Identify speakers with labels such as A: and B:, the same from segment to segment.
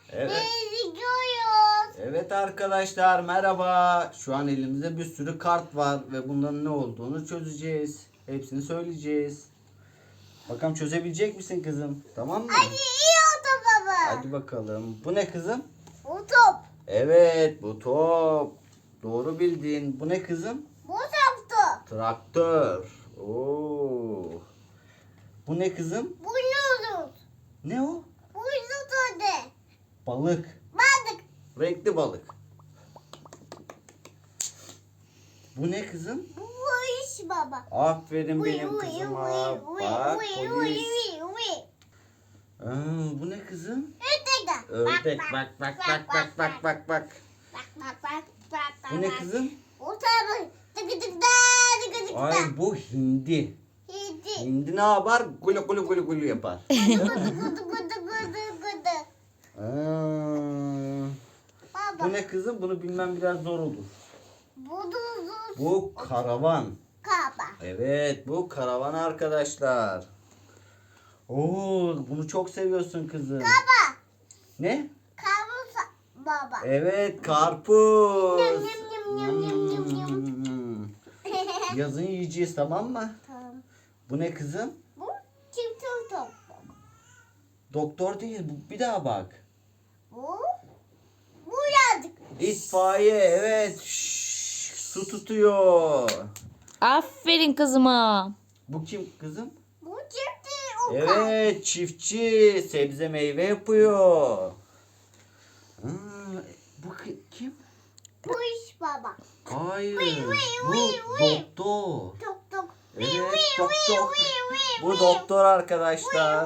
A: Evet.
B: Gidiyoruz.
A: Evet arkadaşlar merhaba. Şu an elimizde bir sürü kart var ve bunların ne olduğunu çözeceğiz. Hepsini söyleyeceğiz. Bakalım çözebilecek misin kızım? Tamam mı?
B: Hadi iyi oldu baba.
A: Hadi bakalım. Bu ne kızım?
B: Bu top.
A: Evet bu top. Doğru bildin. Bu ne kızım?
B: Bu toptu.
A: Traktör. Oo. Bu ne kızım?
B: Bu yolun.
A: Ne o?
B: Bu yolun de.
A: Balık.
B: Balık.
A: Renkli balık. Bu ne kızım?
B: Bu iş baba.
A: Aferin
B: Uy,
A: benim
B: uy,
A: kızıma.
B: uy, uy,
A: Bak
B: uy, uy,
A: polis.
B: uy, uy.
A: Bu ne kızım?
B: Ördek.
A: Ördek. Bak bak bak bak bak bak bak.
B: Bak.
A: Bu ne kızım?
B: O tabi. Tıkı tık da tıkı tık da.
A: Ay bu hindi.
B: Yedi.
A: Hindi ne yapar? Gulu gulu gulu gulu yapar.
B: Gıdı gıdı gıdı gıdı gıdı.
A: Bu
B: Baba.
A: ne kızım? Bunu bilmem biraz zor olur.
B: Bu duzuz.
A: Bu karavan.
B: Kaba.
A: Evet bu karavan arkadaşlar. Oo bunu çok seviyorsun kızım.
B: Baba.
A: Ne?
B: Kabusa. Baba.
A: Evet karpuz.
B: Yum, yum, yum, yum, yum, yum, yum.
A: Yazın yiyeceğiz tamam mı?
B: Tamam.
A: Bu ne kızım?
B: Bu çift top.
A: Doktor değil bu. Bir daha bak.
B: Bu yazık.
A: İtfaiye evet. Şşş, su tutuyor.
C: Aferin kızıma.
A: Bu kim kızım?
B: Bu çift oka.
A: Evet çiftçi. Sebze meyve yapıyor. Bu kim?
B: Bu iş baba.
A: Hayır.
B: Vıy,
A: Bu
B: vıy, vıy.
A: doktor.
B: Tok tok.
A: Evet doktor. Bu doktor arkadaşlar.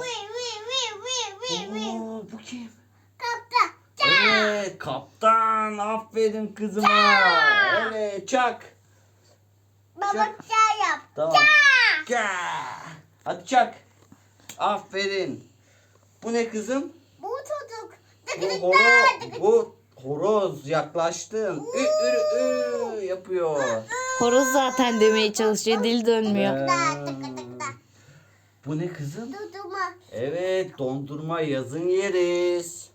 A: Oo, bu kim?
B: Kapta.
A: Evet kaptan. Aferin kızıma. Evet çak.
B: Baba
A: Çak.
B: çay yap.
A: Tamam. Hadi çak. Aferin. Bu ne kızım?
B: Bu çocuk.
A: Bu horoz yaklaştın. Yapıyor.
C: Horoz zaten demeye çalışıyor. Dil dönmüyor.
A: Bu ne kızım?
B: Tutuma.
A: Evet dondurma yazın yeriz.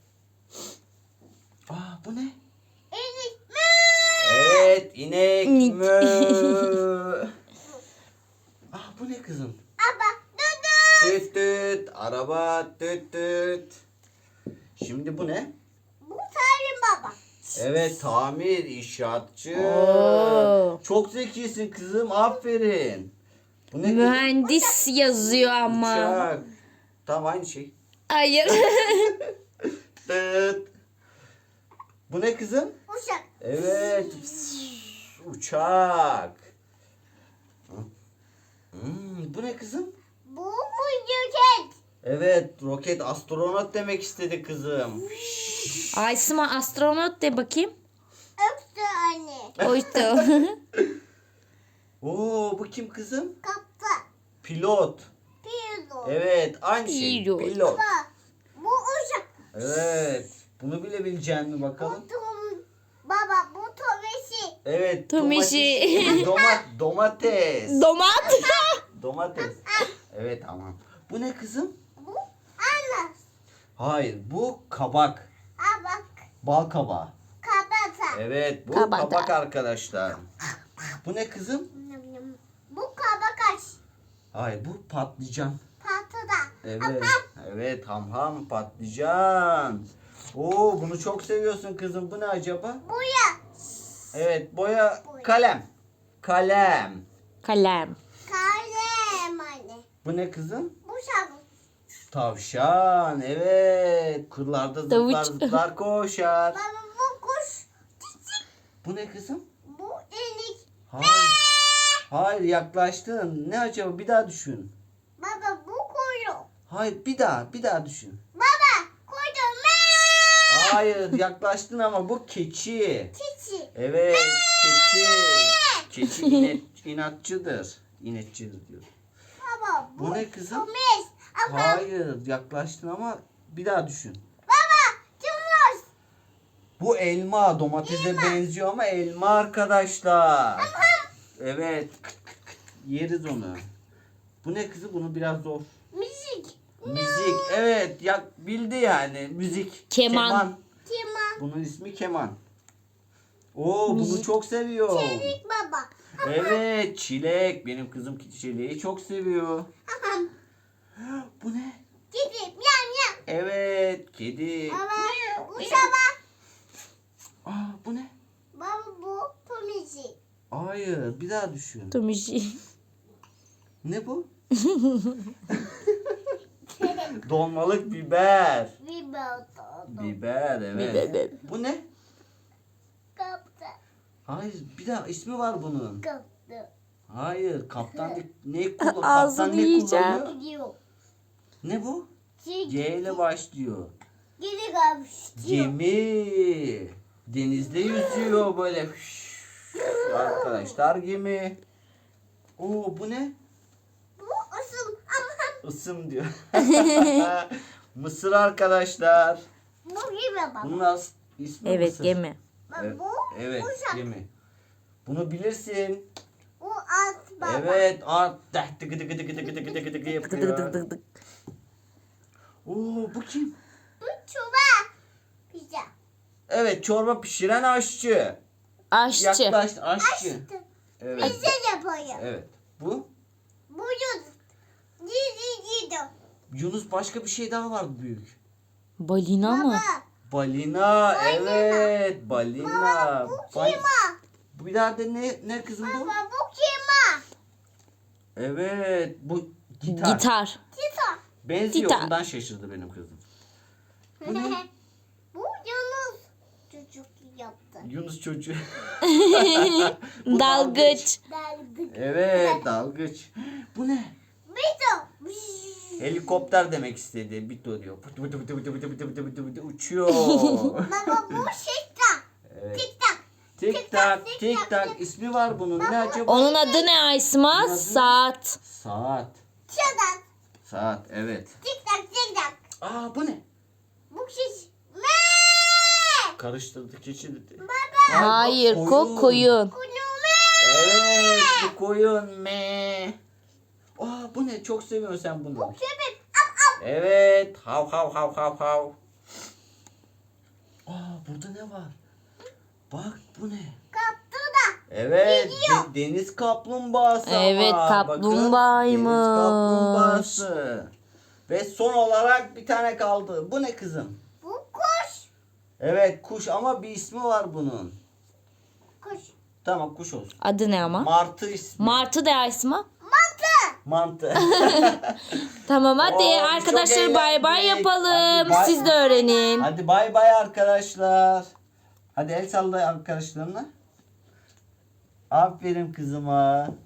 A: Bu ne?
B: Elik.
A: Evet inek
C: İnek.
A: mü. Bu ne kızım?
B: Baba. Dudu.
A: Tüt tüt araba tüt tüt. Şimdi bu ne?
B: Bu Salim baba.
A: Evet tamir inşaatçı.
C: Oo.
A: Çok zekisin kızım aferin. Bu ne kızım?
C: Mühendis yazıyor ama.
A: Uçak. Tamam aynı şey.
C: Hayır.
A: Tıt. Bu ne kızım?
B: Uşak.
A: Evet. Uçak. Bu ne kızım?
B: Bu roket.
A: Evet roket astronot demek istedi kızım.
C: Aysima astronot de bakayım.
B: Öptü anne.
C: Oydu.
A: Oo bu kim kızım?
B: Kapta.
A: Pilot.
B: Pilo.
A: Evet aynı şey.
C: Pilot.
A: Pilot.
B: Baba. Bu uşak.
A: Evet. Bunu bilebilecek mi bakalım?
B: Baba bu tomesi.
A: Evet.
C: Tumişi.
A: Domates.
C: Domat.
A: Domates. Evet tamam. Bu ne kızım?
B: Bu ana.
A: Hayır bu kabak.
B: Bak.
A: Bal kabağı.
B: Kabata.
A: Evet bu
C: Kabak.
A: kabak arkadaşlar. Bu ne kızım?
B: Bu kabakaş.
A: Hayır bu patlıcan.
B: Patada.
A: Evet. Evet ham patlıcan. Oo bunu çok seviyorsun kızım. Bu ne acaba?
B: Buya.
A: Evet boya kalem. Kalem.
C: Kalem.
B: Kalem anne.
A: Bu ne kızım?
B: Bu şabuk.
A: Tavşan. Evet. Kırlarda zıplar
C: Tavuç.
A: zıplar koşar.
B: Baba bu kuş.
A: Bu ne kızım?
B: Bu elik.
A: Hayır. Hayır yaklaştın. Ne acaba? Bir daha düşün.
B: Baba bu kuyruk.
A: Hayır bir daha düşün.
B: Baba kuyruk.
A: Hayır yaklaştın ama bu keçi.
B: Çiçi.
A: Evet keçi. Keçi inatçıdır. İnatçıdır diyor.
B: Baba
A: Bu ne kızım?
B: Tomes. Baba.
A: Hayır yaklaştın ama bir daha düşün.
B: Baba. Cumhur.
A: Bu elma domatese benziyor ama elma arkadaşlar. Evet. Yeriz onu. Bu ne kızım? Bunu biraz zor.
B: Müzik.
A: Müzik. Evet. Ya, bildi yani. Müzik.
C: Keman.
B: Keman.
A: Bunun ismi keman. Oo, bunu çok seviyor.
B: Çelik baba.
A: Evet, çilek. Benim kızım çileği çok seviyor.
B: Aham.
A: Bu ne?
B: Gidip yam yam.
A: Evet, kedi.
B: Baba bu sabah.
A: Aa, bu ne?
B: Baba bu pomisi.
A: Hayır, bir daha düşün.
C: Tomişi.
A: Ne bu? Dolmalık biber.
B: Biber oldu.
A: Biber, evet.
C: Biber.
A: Bu ne?
B: Kaptı.
A: Hayır, bir daha ismi var bunun.
B: Kaptı.
A: Hayır, kaptan ne kullan?
C: Ağzını
A: Kaptan ne
C: yiyeceğim.
A: kullanıyor?
B: Gidiyor.
A: Ne bu?
B: Şey,
A: C ile başlıyor.
B: geri kalmış.
A: Gemi. Denizde yüzüyor böyle. Arkadaşlar gemi. Oo, bu ne?
B: Bu asıl ama
A: Isım diyor. Mısır arkadaşlar.
B: bu gibi baba.
A: Bunun ismi
C: Evet
A: Mısır.
C: gemi.
B: Bak
A: Evet,
B: bu
A: evet
B: uşak.
A: gemi. Bunu bilirsin.
B: Bu at baba.
A: Evet, art tıkı tıkı tıkı tıkı tıkı tıkı tıkı
C: Dık dık dık
A: yapıyor.
C: dık dık.
A: Oo, bu kim?
B: Bu çuva. Pizza.
A: Evet, çorba pişiren aşçı.
C: Aşçı.
A: Yaklaş, aşçı.
B: Açtı.
A: Evet.
B: Pizza yapıyor.
A: Evet. Bu
B: Bu yut. Gidi.
A: Yunus, başka bir şey daha vardı büyük.
C: Balina mı?
B: Baba.
A: Balina, evet, balina.
B: Baba bu
A: Bal-
B: kima.
A: Bu bir daha de ne kızım bu?
B: Baba bu kima.
A: Evet, bu gitar.
C: Gitar.
B: Tita.
A: Benziyor,
C: Gitar.
A: bundan şaşırdı benim kızım. Bu ne?
B: Bu Yunus çocuk yaptı.
A: Yunus çocuğu. Bu
C: Dalgıç.
B: Dalgıç.
A: Evet, dalgıç. Bu ne?
B: Bito.
A: Helikopter demek istedi. Bito diyor. Pıtı pıtı pıtı pıtı pıtı pıtı pıtı pıtı uçuyor.
B: Baba bu şekta.
A: Evet.
B: Tik tak.
A: Tik tak, tik tak. İsmi var bunun. Ne acaba?
C: Onun adı ne Aysma?
A: Adı-
C: Saat.
A: Saat.
B: Çadak.
A: Saat, evet.
B: Tik tak tik tak.
A: Aa, bu ne?
B: Bu şiş. Me.
A: Karıştırdı, keçi dedi.
B: Baba.
C: Hayır, koyun.
B: Kunu me.
A: Evet, bu koyun me. Aa, bu ne? Çok seviyorsun sen bunu.
B: Köpek. Ap ap.
A: Evet, hav hav hav hav hav. Aa, burada ne var? Bak, bu ne?
B: Kaptı da.
A: Evet,
B: Gidiyor.
A: deniz kaplumbağası
C: Evet,
A: ama.
C: kaplumbağaymış.
A: Bakın, deniz kaplumbağası. Ve son olarak bir tane kaldı. Bu ne kızım?
B: Bu kuş.
A: Evet, kuş ama bir ismi var bunun.
B: Kuş.
A: Tamam, kuş olsun.
C: Adı ne ama?
A: Martı ismi.
C: Martı de Aysma.
B: Mantı.
A: Mantı.
C: Tamam hadi
A: Oo, çok
C: arkadaşlar bay bay
A: eğlendik.
C: yapalım.
A: Hadi bay-
C: Siz de öğrenin.
A: Hadi bay bay arkadaşlar. Hadi el salla arkadaşlarına. Aferin kızıma.